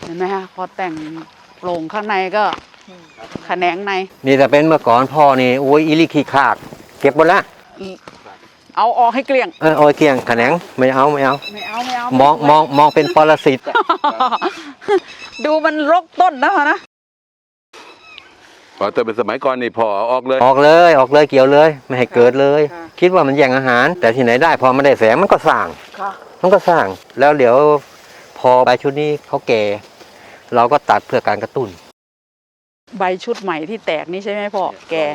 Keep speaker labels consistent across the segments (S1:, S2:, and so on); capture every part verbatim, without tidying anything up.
S1: เห็นไหมคะพอแต่งโปร่งข้างในก็แขนงใน
S2: นี่แต่เป็นเมื่อก่อนพ่อนี่โอ้ยอิลิขี้ขากเก็บหมดละ
S1: เอาออกให้เกลี้ยง
S2: เออโอ้ยเกลี้ยงแขนงไม่เอาไม่เอา
S1: ไม่เอาไม่เอา
S2: มองมองมองเป็นปรสิต
S1: ดูมันรกต้นนะนะ
S3: พอแต่เป็นสมัยก่อนนี่พอออกเลย
S2: ออกเลยออกเลยเกี่ยวเลยไม่ให้เกิดเลยคิดว่ามันแย่งอาหารแต่ที่ไหนได้พอมันได้แสงมันก็สร้างมันก็สร้างแล้วเดี๋ยวพอใบชุดนี้เขาแก่เราก็ตัดเพื่อการกระตุ้น
S1: ใบชุดใหม่ที่แตกนี่ใช่ไหมพ่อแก่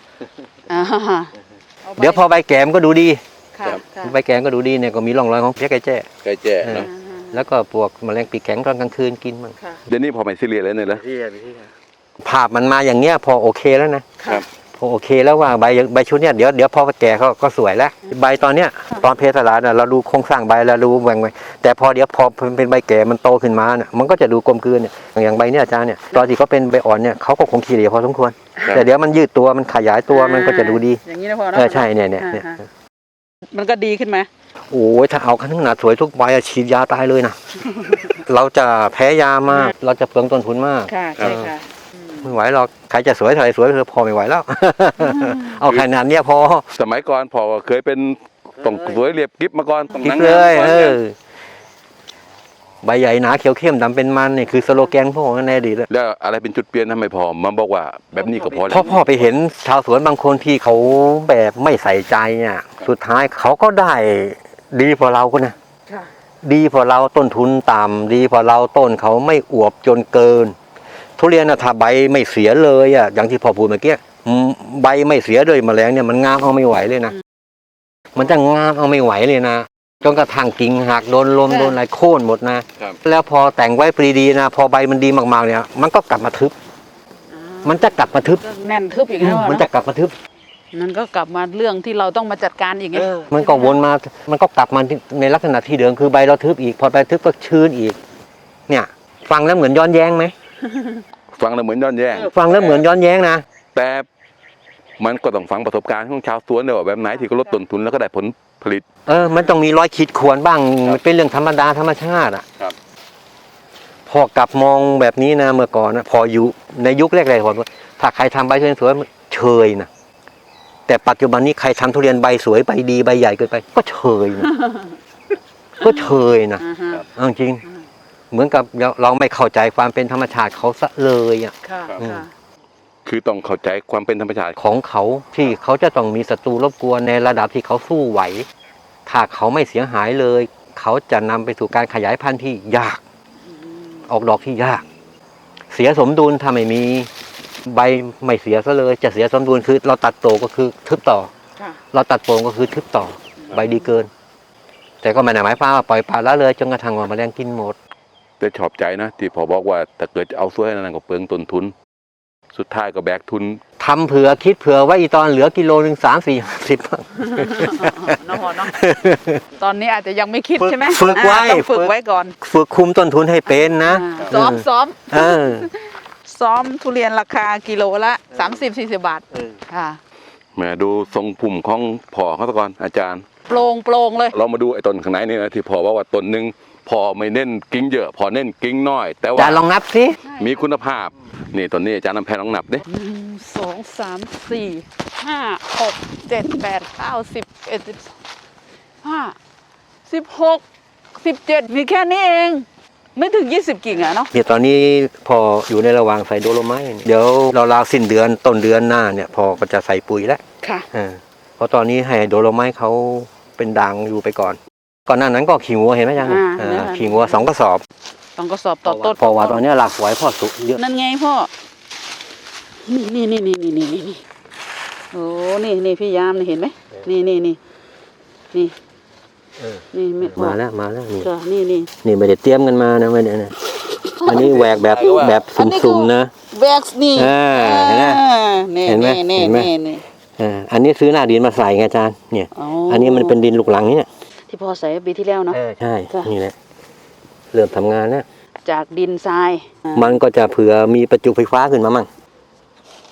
S2: เดี๋ยวพอใบแก่มันก็ดูดีใบแก่ก็ดูดีเนี่ยก็มีร่องรอยของเพี้ยไก่แจ้
S3: ไก่แจ้เนาะ
S2: แล้วก็พวกแมลงปีกแข็งตอนกลางคืนกินมัน
S3: เดี๋ยวนี้พอไม่ซีเรียสเลยเนี่ยเหรอ
S2: ภาพมันมาอย่างเงี้ยพอโอเคแล้วนะพอโอเคแล้วว่าใบใบชุดเนี้ยเดี๋ยวเดี๋ยวพอแก่เขาก็สวยแล้วใบตอนเนี้ยตอนเพสลาเนี่ยเราดูโครงสร้างใบแล้วดูแหว่งไปแต่พอเดี๋ยวพอเป็นใบแก่มันโตขึ้นมาเนี่ยมันก็จะดูกลมกลืนเนี่ยอย่างใบเนี้ยอาจารย์เนี่ยตอนที่เขาเป็นใบอ่อนเนี่ยเขาก็คงขี้เหร่พอสมควรแต่เดี๋ยวมันยืดตัวมันขยายตัวมันก็จะดูดี
S1: อย่างนี้นะพ่อเนาะ
S2: เออใช่เนี่ยเนี่ย
S1: มันก็ดีขึ้นไหม
S2: โอ้ยถ้าเอาขนาดสวยทุกใบฉีดยาตายเลยนะเราจะแพ้ยามากเราจะเปลืองต้นทุนมาก
S1: ค่ะใช่ค่ะ
S2: ไม่ไหวหรอกใครจะสวยเท่าไหร่สวยเธอพอไม่ไหวแล้วเอาขนาดเนี้ยพอ
S3: สมัยก่อนพอเคยเป็นต้องสวยเรียบกิ๊บมาก่อน
S2: กิ๊บเลยเออใบใหญ่หนาเขียวเข้มดำเป็นมันนี่คือสโลแกนพ่อในอดีต
S3: แล้วอะไรเป็นจุดเปลี่ยนทำไมพอมาบอกว่าแบบนี้ก็พอแล้ว
S2: พ่อพ่อไปเห็นชาวสวนบางคนที่เขาแบบไม่ใส่ใจเนี่ยสุดท้ายเขาก็ได้ดีพอเราก็นะดีพอเราต้นทุนต่ำดีพอเราต้นเขาไม่อวบจนเกินทุเรียนนะถ้าใบไม่เสียเลยอ่ะอย่างที่พ่อพูดเมื่อกี้ใบไม่เสียเลยแมลงเนี่ยมันงามเอาไม่ไหวเลยนะมันจะงามเอาไม่ไหวเลยนะจนกระทั่งกิ่งหักโดนลมโดนอะไรโค่นหมดนะแล้วพอแต่งไว้ปรีดีนะพอใบมันดีมากๆเนี่ยมันก็กลับมาทึบมันจะกลับมาทึบ
S1: แน่นทึบอีกแล้ว
S2: มันจะกลับมาทึบ
S1: มันก็กลับมาเรื่องที่เราต้องมาจัดการอีกไง
S2: มันก็วนมามันก็กลับมาในลักษณะที่เดิมคือใบเราทึบอีกพอใบทึบก็ชื้นอีกเนี่ยฟังแล้วเหมือนย้อนแย้งไหม
S3: ฟังแล้วเหมือนย้อนแย้ง
S2: ฟังแล้วเหมือนย้อนแย้งนะ
S3: แต่มันก็ต้องฟังประสบการณ์ของชาวสวนเลยว่าแบบไหนที่ก็ลดต้นทุนแล้วก็ได้ผลผลิต
S2: เออมันต้องมีรอยขีดข่วนบ้างเป็นเรื่องธรรมดาธรรมชาติอ่ะพอกลับมองแบบนี้นะเมื่อก่อนนะพออยู่ในยุคแรกๆผมถ้าใครทำใบทุเรียนสวยเชยนะแต่ปัจจุบันนี้ใครทำทุเรียนใบสวยใบดีใบใหญ่เกินไปก็เชยนะก็เชยนะจริงเหมือนกับเราไม่เข้าใจความเป็นธรรมชาติเขาซะเลยอ่ะ
S3: คือต้องเข้าใจความเป็นธรรมชาติ
S2: ของเขาที่เขาจะต้องมีศัตรูรบกวนในระดับที่เขาสู้ไหวถ้าเขาไม่เสียหายเลยเขาจะนำไปสู่การขยายพันธุ์ที่ยากออกดอกที่ยากเสียสมดุลถ้าไม่มีใบไม่เสียซะเลยจะเสียสมดุลคือเราตัดโตก็คือทึบต่อเราตัดโป่งก็คือทึบต่อใบดีเกินแต่ก็ไม่ได้หมายความว่าปล่อยปละละเลยจนกระทั่งว่าแมลงกินหมด
S3: แต่ชอบใจนะที่พอบอกว่าถ้าเกิดเอาสวยนั่นก็เปลืองต้นทุนสุดท้ายก็แบกทุน
S2: ทำเผื่อคิดเผื่อไว้อีตอนเหลือกิโลหนึ่งสามสี่สิบ
S1: น้องเนาะตอนนี้อาจจะยังไม่คิดใช่ไหม
S2: ฝึกไว้
S1: ฝึกไว้ก่อน
S2: ฝึกคุมต้นทุนให้เป็นนะ
S1: ซ้อมซ้อมซ้อมทุเรียนราคากิโลละสามสิบสี่สิบบาทค่ะ
S3: แหมดูทรงพุ่มของพ่อเขาตะก่อนอาจารย์
S1: โปร่งโปร่งเลย
S3: เรามาดูไอ้ต้นข้างในนี่นะที่พ่อว่าว่าต้นหนึ่งพอไม่เน้นกิ้งเยอะพอเน้นกิ้งน้อยแต่ว่า
S2: จะลองนับสิ
S3: มีคุณภาพนี่ต้นนี้อาจารย์นำแพนลองนับดิ
S1: หนึ่งสองสามสี่ห้าหกเจ็ดแปดเก้าสิบเอ็ดสิบห้าสิบหกสิบเจ็ดมีแค่นี้เองไม่ถึงยี่สิบกิ่งอะเนาะ
S2: เนี่ยตอนนี้พออยู่ในระหว่างใส่โดโลไมต์เดี๋ยวเราราวสิ้นเดือนต้นเดือนหน้าเนี่ยพอก็จะใส่ปุ๋ยแล้ว
S1: ค่ะ
S2: เพราะตอนนี้ให้โดโลไมต์เขาเป็นด่างอยู่ไปก่อนก่อนหน้านั้นก็ขี่งัวเห็นไหมยังขี่งัวสองกระสอบ
S1: สองกระสอบต่อต้น
S2: พอว่าตอนนี้หลากหลายพ่อสุเยอะ
S1: นั่นไงพ่อนี่นี่นี่นี่นี่นี่นี่โอ้นี่นี่พี่ยามนี่เห็นไหมนี่นี่นี่นี่นี่
S2: มาแล้วมาแล้วนี่
S1: นี่นี่
S2: นี่ไม่ได้เตรียมกันมานะไม่ได้นะอันนี้แหวกแบบแบบสุ่มๆนะ
S1: แหวกนี่
S2: เห็นไหมเห็นไหมเห็นไหมอันนี้ซื้อหน้าดินมาใส่ไงอาจารย์เนี่ยอันนี้มันเป็นดินลูกหลังนี่เนี่ย
S1: ที่พ่อใส่ปีที่แล้วเนาะ
S2: ใช่นี่แหละเริ่มทำงานแล้ว
S1: จากดินทราย
S2: มันก็จะเผื่อมีประจุไฟฟ้าขึ้นมามั่ง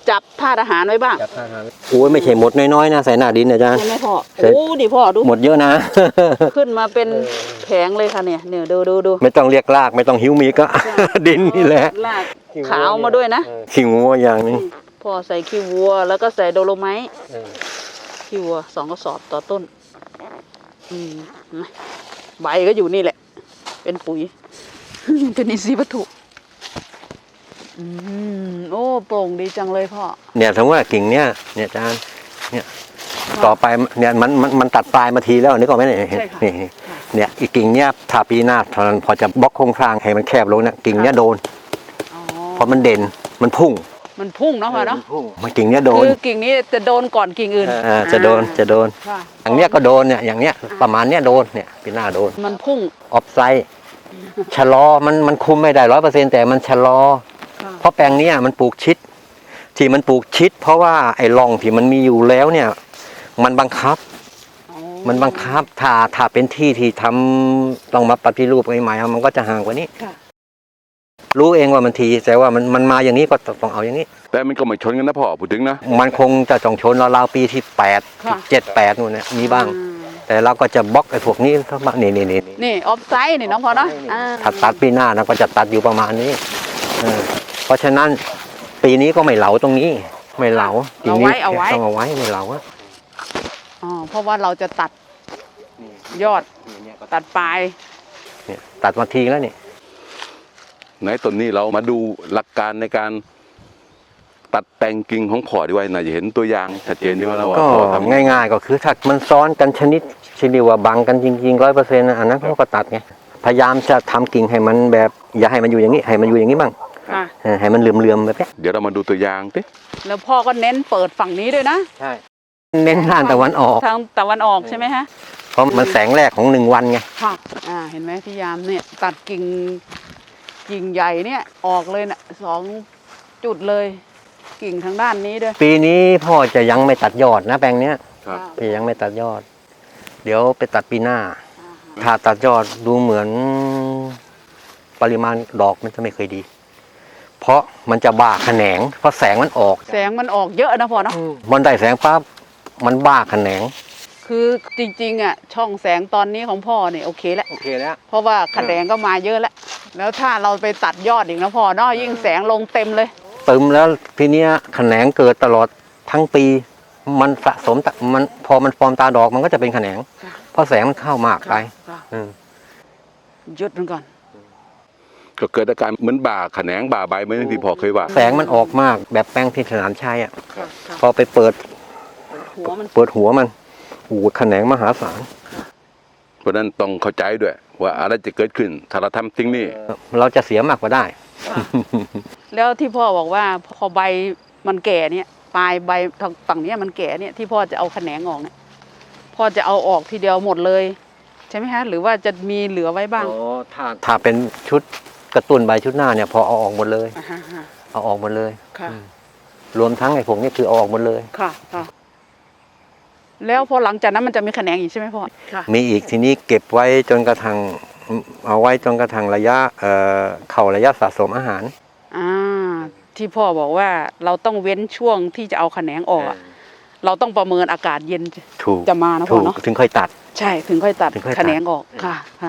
S1: จับธาตุอาหารไว้บ้าง
S2: จับท่าทางโอ้ยไม่ใช่หมดน้อยๆนะใส่หน้าดินนะจ๊ะ
S1: ใช่ไหมพ่อ
S2: ใช่
S1: โอ้ดิพ่อดู
S2: หมดเยอะนะ
S1: ขึ้นมาเป็นแผงเลยค่ะเนี่ยเนี่ยดูดูดู
S2: ไม่ต้องเรียกลากไม่ต้องหิวมีก็ ดินนี่แหละ
S1: ลากขาวมาด้วยนะ
S2: ขี้งัวอย่างหนึง
S1: พ่อใส่ขี้วัวแล้วก็ใส่โดโลไมต์ขี้วัวสองกระสอบต่อต้น อืมใบก็อยู่นี่แหละ เป็นปุ๋ย เป็นอินทรีย์วัตถุ อืมโอ้โปร่งดีจังเลยพ่อ
S2: เนี่ยถึงว่ากิ่งเนี้ยเนี่ยอาจารย์เนี่ยต่อไปเนี่ยมันมันมันตัดปลายมาทีแล้วนึกออกไหมเนี่ย
S1: ใช่ค่ะ
S2: นี่เนี่ยอีกกิ่งเนี้ยถ้าปีหน้าพอจะบล็อกโครงสร้างให้มันแคบลงเนี่ยกิ่งเนี้ยโดน
S1: อ๋อ
S2: เพราะมันเด่นมันพุ่ง
S1: มันพุ่งเนาะพ่อเนาะ
S2: มันกิ่งเนี้ยโดน
S1: คือกิ่งนี้จะโดนก่อนกิ่งอื่น
S2: อ่าจะโดนจะโดน
S1: ค่ะ
S2: อย่างเนี้ยก็โดนเนี่ยอย่างเนี้ยประมาณเนี้ยโดนเนี่ยปีหน้าโดน
S1: มันพุ่ง
S2: ออฟไซด์ชะลอมันมันคุมไม่ได้ร้อยเปอร์เซ็นต์แต่มันชะลอ
S1: ค่ะ
S2: เพราะแปลงเนี้ยมันปลูกชิด ที่มันปลูกชิด เพราะว่าไอ้ร่องที่มันมีอยู่แล้วเนี่ย มันบังคับ
S1: อ๋อ
S2: มันบังคับถ้าถ้าเป็นที่ที่ทำต้องมาปฏิรูปใหม่ๆมันก็จะห่างกว่านี้
S1: ค่ะ
S2: รู้เองว่ามันทีแต่ว่ามันมันมาอย่างนี้ก็ต้องเอาอย่างนี้
S3: แต่มันก็ไม่ชนกันนะพ่อพูดถึงนะ
S2: มันคงจะจองชนราวๆปีที่แปด
S1: ค่ะ
S2: เจ็ดแปดนู่นเนี่ยมีบ้าง
S1: อืม
S2: แต่เราก็จะบล็อกไอ้พวกนี้เข้ามานี่นี่นี่
S1: นี่ออฟไซด์นี่น้องพ่อเนาะอ่า
S2: ถ้าตัดปีหน้าเราก็จะตัดอยู่ประมาณนี้เออเพราะฉะนั้นปีนี้ก็ไม่เหลาตรงนี้ ไม่เหลาปี
S1: เอา
S2: นี้
S1: ไว้เอาไว้
S2: ต้องเอาไว้ไม่เหลาอะ
S1: อ๋อเพราะว่าเราจะตัดยอดตัดปลาย
S2: เนี่ยตัดมาทีแล้วนี่
S3: ไหนต้นนี้เรามาดูหลักการในการตัดแต่งกิ่งของพ่อดีไว้น่าจะเห็นตัวอย่างชัดเจนดีว่าเราว่า
S2: ก็
S3: พ่อทำ
S2: ง่ายๆก็คือถ้ามันซ้อนกันชนิดชนิดว่าบังกันจริงๆร้อยเปอร์เซ็นต์อันนั้นเขาก็ตัดไงพยายามจะทำกิ่งให้มันแบบ อย่าให้มันอยู่อย่างนี้ให้มันอยู่อย่างนี้บ้าง
S1: ค่ะ
S2: เออให้มันเหลื่อมๆแบบเนี้ย
S3: เดี๋ยวเรามาดูตัวอย่างสิ
S1: แล้วพ่อก็เน้นเปิดฝั่งนี้ด้วยนะ
S2: ใช่เน้นด้านตะวันออก
S1: ทางตะวันออกใช่ไหมฮะ
S2: เพราะมันแสงแรกของหนึ่งวันไง
S1: ค่ะ อ่า เห็นไหมพี่ยามเนี่ย ตัดกิ่งกิ่งใหญ่เนี่ยออกเลยนะสองจุดเลย กิ่งทางด้านนี้ด้วย
S2: ปีนี้พ่อจะยังไม่ตัดยอดนะแปลงเนี้ย
S3: ครับ
S2: พี่ยังไม่ตัดยอด เดี๋ยวไปตัดปีหน้า ถ้าตัดยอดดูเหมือนปริมาณดอกมันจะไม่เคยดี เพราะมันจะบ้าแขนง เพราะแสงมันออก
S1: แสงมันออกเยอะนะพ่อเนาะ
S2: มันได้แสงปั๊บมันบ้าแขนง
S1: คือจริงๆอ่ะช่องแสงตอนนี้ของพ่อเนี่ยโอเคแล้ว
S2: โอเคแล้ว
S1: เพราะว่าแขนงก็มาเยอะแล้ว แล้วถ้าเราไปตัดยอดอีกนะพ่อเนาะยิ่งแสงลงเต็มเลย
S2: เติมแล้วทีเนี้ยแขนงเกิดตลอดทั้งปี มันสะสมแต่มันพอมันฟอร์มตาดอกมันก็จะเป็นแขนง
S1: ค่ะ
S2: เพราะแสงมันเข้ามากไป
S1: ค่ะ
S2: อืม
S1: หยุดมันก่อน
S3: ก็เกิดอาการเหมือนบ่าแขนงบ่าใบเหมือนที่พ่อเคยว่า
S2: แสงมันออกมากแบบแป้งที่สนามชัยอ่ะ
S1: ค่ะค่ะ
S2: พอไปเปิด
S1: หัวมัน
S2: เปิดหัวมันโอ้โหแขนงมหาศาล
S3: เพราะฉะนั้นต้องเข้าใจด้วย ว่าอะไรจะเกิดขึ้นถ้าเราทำสิ่งนี้
S2: เราจะเสียมากกว่าได้
S1: แล้วที่พ่อบอกว่าพอใบมันแก่เนี่ยปลายใบทางฝั่งเนี้ยมันแก่เนี่ยที่พ่อจะเอาแขนงออกเนี่ยพ่อจะเอาออกทีเดียวหมดเลย ใช่ไหมฮะหรือว่าจะมีเหลือไว้บ้าง
S2: ถ้าถ้าเป็นชุดกระตุ้นใบชุดหน้าเนี่ยพอเอาออกหมดเลย
S1: อ่าฮะฮะ
S2: เอาออกหมดเลย
S1: ค่ะ
S2: รวมทั้งไอ้พวกนี้คือเอาออกหมดเลย
S1: ค่ะค่ะแล้วพอหลังจากนั้นมันจะมีแขนงอีกใช่ไหมพ่อค่ะ
S2: มีอีกทีนี้เก็บไว้จนกระทั่งเอาไว้จนกระทั่งระยะเอ่อเข้าระยะสะสมอาหาร
S1: อ่าที่พ่อบอกว่าเราต้องเว้นช่วงที่จะเอาแขนงออกอะเราต้องประเมินอากาศเย็น
S2: ถูก
S1: จะมานะพ่
S2: ถู
S1: อก เนาะ
S2: ถึงค่อยตัด
S1: ใช่ถึงค่อยตัด
S2: ถึงค่อยตัด
S1: แขนงออกค่ะค่ะ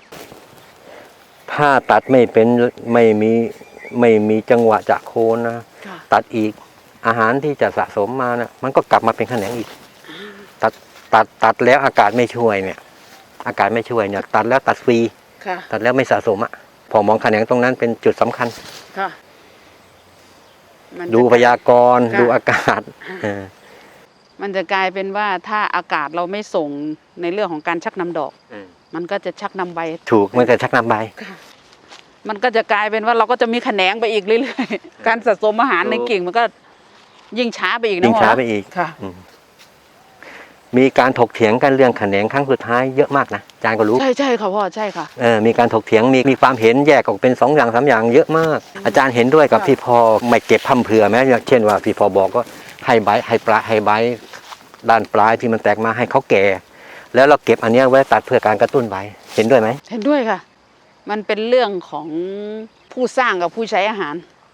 S2: ถ้าตัดไม่เป็นไม่มีไม่มีจังหวะจะโคนนะ
S1: ค่ะ
S2: ตัดอีกอาหารที่จะสะสมมานะมันก็กลับมาเป็นแขนงอีก ตัดตัดตัดแล้วอากาศไม่ช่วยเนี่ย อากาศไม่ช่วยเนี่ย ตัดแล้วตัดฟรี
S1: ค่ะ
S2: ตัดแล้วไม่สะสมอ่ะพอมองแขนงตรงนั้นเป็นจุดสำคัญ
S1: ค่ะมันจะ
S2: ดูพยากรณ์
S1: ค่ะ
S2: ดูอากาศเออ
S1: มันจะกลายเป็นว่าถ้าอากาศเราไม่ส่งในเรื่องของการชักนำดอก มันก็จะชักนำใบ
S2: ถูกมันจะชักนำใบ
S1: มันก็จะกลายเป็นว่าเราก็จะมีแขนงไปอีกเรื่อยๆ การสะสมอาหารในกิ่งมันก็ยิ่งช้าไปอีกนะ
S2: ยิ่ง
S1: พ่อ
S2: ช้าไปอีก
S1: ค่ะ
S2: อืมมีการถกเถียงกันเรื่องแขนงครั้งสุดท้ายเยอะมากนะอาจารย์ก็รู้
S1: ใช่ใช่ค่ะพ่อใช่ค่ะ
S2: เออมีการถกเถียงมีมีความเห็นแยกออกเป็นสองอย่างสามอย่างเยอะมาก อาจารย์เห็นด้วยกับ
S1: ค่ะ
S2: ที่พอไม่เก็บพั่มเพรื่อไหมอย่างเช่นว่าพี่พอบอกก็ให้ใบให้ปลายให้ใบด้านปลายที่มันแตกมาให้เขาแก่ แล้วเราเก็บอันเนี้ยไว้ตัดเพื่อการกระตุ้นใบเห็นด้วยไหม
S1: เห็นด้วยค่ะ มันเป็นเรื่องของผู้สร้างกับผู้ใช้อาหาร ถ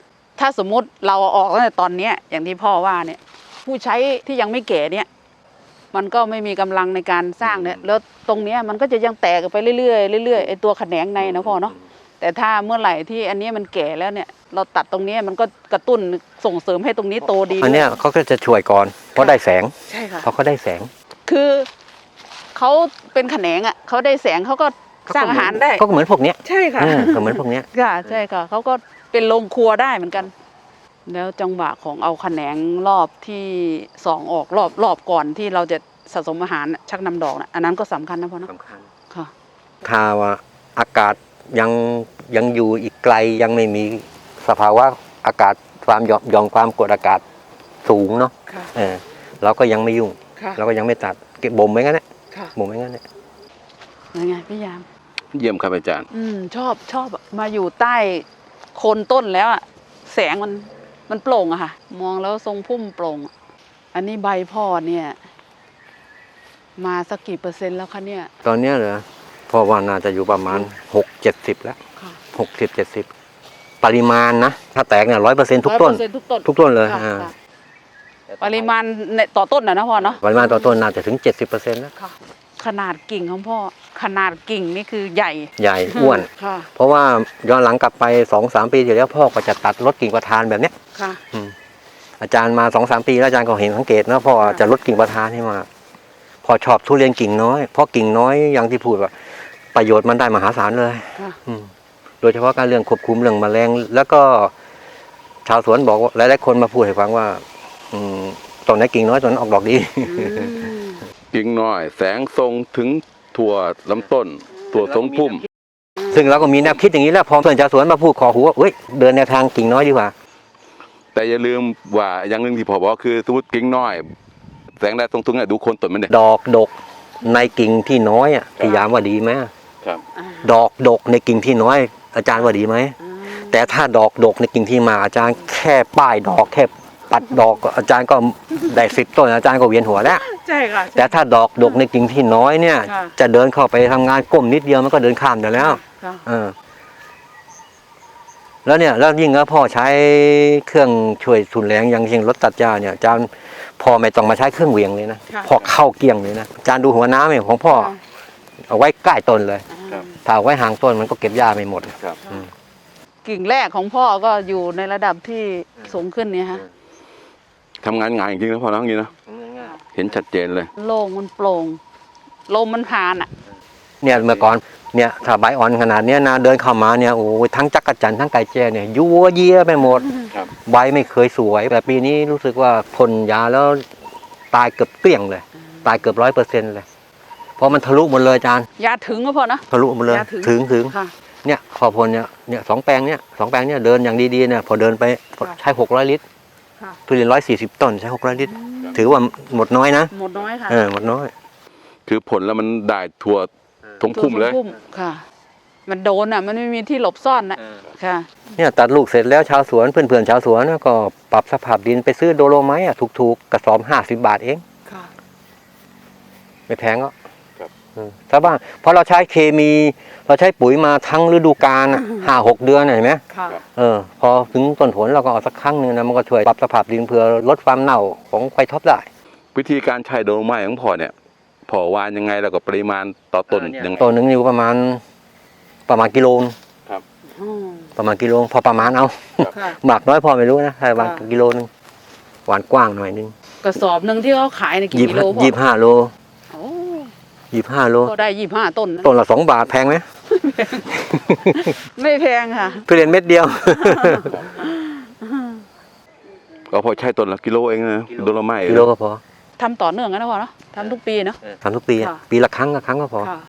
S1: ถ้าสมมุติเราเอาออกตั้งแต่ตอนเนี้ยอย่างที่พ่อว่าเนี่ย ผู้ใช้ที่ยังไม่แก่เนี่ย มันก็ไม่มีกำลังในการสร้างเนี่ย แล้วตรงเนี้ยมันก็จะยังแตกไปเรื่อยๆเรื่อยๆไอ้ตัวแขนงในนะพ่อเนาะแต่ถ้าเมื่อไหร่ที่อันนี้มันแก่แล้วเนี่ย เราตัดตรงนี้มันก็กระตุ้นส่งเสริมให้ตรงนี้โตดี
S2: อันเนี้ยเขาก็จะช่วยก่อนเพราะได้แสง
S1: ใช่ค่ะ
S2: เพราะเขาได้แสง
S1: คือเขาเป็นแขนงอ่ะเขาได้แสงเขาก็สร้างอาหารได้
S2: ก็เหมือนพวกเนี้ย
S1: ใช่ค่ะ
S2: เออก็เหมือนพวกเนี้ย
S1: ค่ะใช่ค่ะเขาก็เป็นโรงครัวได้เหมือนกัน แล้วจังหวะของเอาแขนงรอบที่สองออกรอบรอบก่อนที่เราจะสะสมอาหารน่ะชักนำดอกนะอันนั้นก็สำคัญนะพ่อเนาะ
S2: สำคัญ
S1: ค่ะ
S2: ถ้าว่าอากาศยังยังอยู่อีกไกลยังไม่มีสภาวะอากาศความหย่อมหย่อมความกดอากาศสูงเนาะ
S1: ค่ะ
S2: เออเราก็ยังไม่ยุ่ง
S1: ค่ะ
S2: เราก็ยังไม่ตัดเก็บบ่มไว้งั้นแหละ
S1: ค่ะ
S2: บ่มไว้งั้นแหละ
S1: ยังไงพี่ยาม
S3: เยี่ยมครับอาจารย์
S1: อืมชอบชอบอะมาอยู่ใต้โคนต้นแล้วอะแสงมันมันโปร่งอะค่ะ มองแล้วทรงพุ่มโปร่งอะอันนี้ใบพ่อเนี่ย มาสักกี่เปอร์เซ็นต์แล้วคะเนี่ย
S2: ตอนเนี้ยเหรอพอว่าน่าจะอยู่ประมาณหกเจ็ดสิบแล้ว
S1: ค่ะ
S2: หกสิบเจ็ดสิบปริมาณนะถ้าแตกเนี่ยร้อยเปอร์เซ็นต์ทุกต้น
S1: ร้อยเปอร์เซ็นต์ทุกต้น
S2: ทุกต้นเลย
S1: ค่ะ
S2: อ่า
S1: ค่ะปริมาณในต่อต้นนะนะพ่อเนาะ
S2: ปริมาณต่อต้นน่าจะถึงเจ็ดสิบเปอร์เซ็นต์แล้ว
S1: ค่ะ ขนาดกิ่งของพ่อ ขนาดกิ่งนี่คือใหญ่
S2: ใหญ่อ้วน
S1: ค่ะ
S2: เพราะว่าย้อนหลังกลับไปสองสามปีที่แล้วพ่อก็จะตัดลดกิ่งประธานแบบเนี้ย
S1: ค่ะ
S2: อืมอาจารย์มาสองสามปีแล้วอาจารย์ก็เห็นสังเกตนะพ่อจะลดกิ่งประธานให้มากพอชอบทุเรียนกิ่งน้อยเพราะกิ่งน้อยอย่างที่พูดว่าประโยชน์มันได้มหาศาลเลย
S1: ค่ะ
S2: อืมโดยเฉพาะการเรื่องควบคุมเรื่องแมลงแล้วก็ชาวสวนบอกว่าหลายๆคนมาพูดให้ฟังว่า อืมต้นไหนกิ่งน้อยต้นนั้นออกดอกดี
S1: อืม
S3: กิ่งน้อย แสงทรงถึงถั่วลำต้น ถั่วทรงพุ่ม
S2: ซึ่งเราก็มีแนวคิดอย่างนี้แล้วพอเพื่อนชาวสวนมาพูดขอหูว่าเอ้ยเดินแนวทางกิ่งน้อยดีกว่า
S3: แต่อย่าลืมว่าอย่างหนึ่งที่พอบอกคือสมมติกิ่งน้อย แสงแดดทรงถึงเนี่ยดูโคนต้นมันเนี่ย
S2: ดอกดกในกิ่งที่น้อยอ่ะพี่ยามว่าดีไหม
S3: ครับ
S1: อ่า
S2: ดอกดกในกิ่งที่น้อย อาจารย์ว่าดีไหม
S1: อืม
S2: แต่ถ้าดอกดกในกิ่งที่มากอาจารย์แค่ป้ายดอกแค่ปัดดอกอาจารย์ก็ได้สิบต้นอาจารย์ก็เวียนหัวแล้ว
S1: ใช่ค่ะ
S2: แต่ถ้าดอกดกในกิ่งที่น้อยเนี่ย
S1: ค่ะ
S2: จะเดินเข้าไปทำงานก้มนิดเดียวมันก็เดินข้ามได้แล้ว
S1: ค่ะ
S2: เออแล้วเนี่ยแล้วยิ่งแล้วพ่อใช้เครื่องช่วยทุนแรงอย่างเช่นรถตัดหญ้าเนี่ยอาจารย์พ่อไม่ต้องมาใช้เครื่องเหวี่ยงเลยนะ
S1: ค่ะ
S2: พอเข้าเกี่ยงเลยนะอาจารย์ดูหัวน้ำเนี่ยของพ่อ
S1: ค่ะ
S2: เอาไว้ใกล้ต้นเลย
S3: ครับ
S2: ถ้าเอาไว้ห่างต้นมันก็เก็บหญ้าไม่หมด
S3: ครับ
S2: อืม
S1: กิ่งแรกของพ่อก็อยู่ในระดับที่สูงขึ้นเนี่ยฮะ
S3: ทำงานง่ายจริงๆนะพ่อนะอย่างนี้นะเห็นชัดเจนเลย
S1: โล่งมันโปร่งลมมันผ่านอ่ะ
S2: เนี่ยเมื่อก่อนเนี่ยถ้าใบอ่อนขนาดเนี้ยนะเดินเข้ามาเนี่ยโอ้ยทั้งจักรจันทร์ทั้งไก่แจ้เนี่ยยัวเยียไปหมด
S3: ครับ
S2: ใบไม่เคยสวยแต่ปีนี้รู้สึกว่าพ่นยาแล้วตายเกือบเกลี้ยงเลย ตายเกือบร้อยเปอร์เซ็นต์เลยเพราะมันทะลุหมดเลยอาจารย์
S1: ยาถึงก็พอนะ
S2: ทะลุหมดเลย
S1: ยาถึง
S2: ถึงถึง
S1: ค่ะ
S2: เนี่ยพอพ่นเนี่ยเนี่ยสองแปลงเนี่ยสองแปลงเนี่ยเดินอย่างดีๆเนี่ยพอเดินไป
S1: ค่ะ
S2: ใช้หกร้อยลิตร
S1: ค่ะ
S2: ทุเรียนร้อยสี่สิบต้นใช้หกร้อยลิตร ถือว่าหมดน้อยนะ
S1: หมดน้อยค่ะ
S2: เออหมดน้อย
S3: คือผลแล้วมันได้ถั่วทงพุ่มเลย
S1: พุ่มค่ะ มันโดนอ่ะ มันไม่มีที่หลบซ่อนนะค่ะ
S2: เนี่ยตัดลูกเสร็จแล้วชาวสวนเพื่อนๆชาวสวนก็ปรับสภาพดินไปซื้อโดโลไมต์อ่ะถูกๆกระสอบห้าสิบบาทเอง
S1: ค่ะ
S2: ไม่แพงก็
S3: ครับ
S2: ชาวบ้านเพราะเราใช้เคมี เราใช้ปุ๋ยมาทั้งฤดูกาลห้าหกเดือนเห็นไหม
S1: ค่ะ
S2: เออพอถึงต้นผลเราก็เอาสักครั้งหนึ่งนะมันก็ช่วยปรับสภาพดินเพื่อลดความเน่าของไควท็อปได้
S3: วิธีการใช้โดโลไม้ของพ่อเนี่ยพ่อวานยังไงแล้วก็ปริมาณต่อต้นยังไง
S2: ต้นหนึ่งอยู่ประมาณประมาณกิโลนึง
S1: อืม
S2: ประมาณกิโลพอประมาณเอา
S1: ค่ะ
S2: หมากน้อยพอไม่รู้นะแต่ประมาณ
S1: ค่ะ
S2: กิโลนึงหวานกว้างหน่อยนึง
S1: กระสอบหนึ่งที่เขาขายในกี่
S2: ยี่
S1: กิโลพ่อ
S2: ยี่ห้าโล
S1: โอ้
S2: ยี่ห้าโล
S1: ก็ได้ยี่ห้าต้นนะ
S2: ต้นละสองบาทแพงไหม
S1: ไม่แพงค่ะ
S2: ทุเรียนเม็ดเดียว
S3: ก็พอใช้ต้นละกิโลเองนะโดโลไม้
S2: กิโลก็พอ
S1: ทำต่อเนื่องกันนะพ่อเนาะทำทุกปีเนาะ
S2: ทำทุกปีอะ
S1: ค่ะ
S2: ปีละครั้งละครั้งก็พอ
S1: ค่ะ